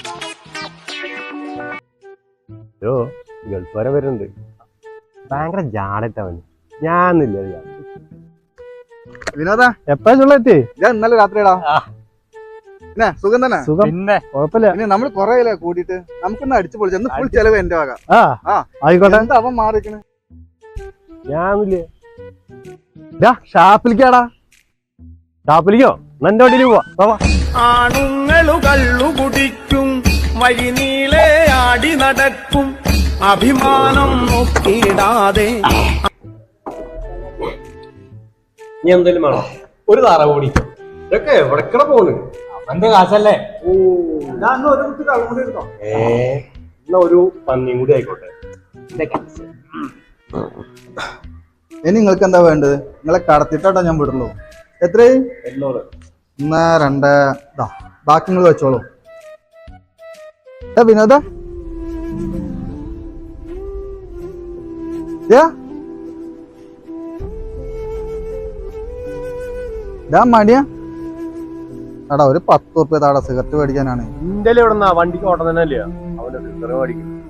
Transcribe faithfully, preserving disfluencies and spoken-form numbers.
Gulf വരെ വരുന്നുണ്ട്. ഭയങ്കര ജാടട്ടവന്. ഞാനില്ല വിനോദ എപ്പോഴാ ചുള്ളെത്തി? ഞാൻ ഇന്നലെ രാത്രിടാ. പിന്നെ സുഖം തന്നെ? സുഖം. പിന്നെ കുഴപ്പമില്ല. പിന്നെ നമ്മൾ കൊറേ കൂടിയിട്ട് നമുക്കൊന്ന് അടിച്ചു പൊളിച്ചു. ഫുൾ ചെലവ് എന്റെ വക. ആ ആയിക്കോട്ടെ. എന്താ അവൻ മാറിക്കണ്? ഞാനില്ലേ ഷാപ്പിലേക്കാടാ. ഷാപ്പിലേക്കോ? എന്റെ വണ്ടിയിൽ പോവാ. ആണുങ്ങളു കള്ളു കുടിക്കും, വഴി നീളെ ആടി നടക്കും, അഭിമാനം നോക്കിയിടാതെ. നീ എന്തേലും വേണോ? ഒരു താറ കൂടി. ഇതൊക്കെ എവിടക്കട പോണ്? അവന്റെ കാശല്ലേ. ഏ എന്നാ ഒരു പന്നിയും കൂടി ആയിക്കോട്ടെ. ഇനി നിങ്ങൾക്ക് എന്താ വേണ്ടത്? നിങ്ങളെ കടത്തിട്ടാട്ടോ ഞാൻ വിടുള്ളൂ. എത്ര? ഒന്ന് രണ്ട്. ബാക്കി നിങ്ങൾ വെച്ചോളൂ. വിനോദ മടിയാ എടാ, ഒരു പത്ത് ഉറുപ്പ്യ താടാ സിഗരറ്റ് മേടിക്കാനാണ്. ഇന്ത്യയിൽ എവിടെന്നാ വണ്ടിക്ക് ഓട്ടം തന്നെ അല്ലേ അവന്റെ സിഗരറ്റ് മേടിക്കും.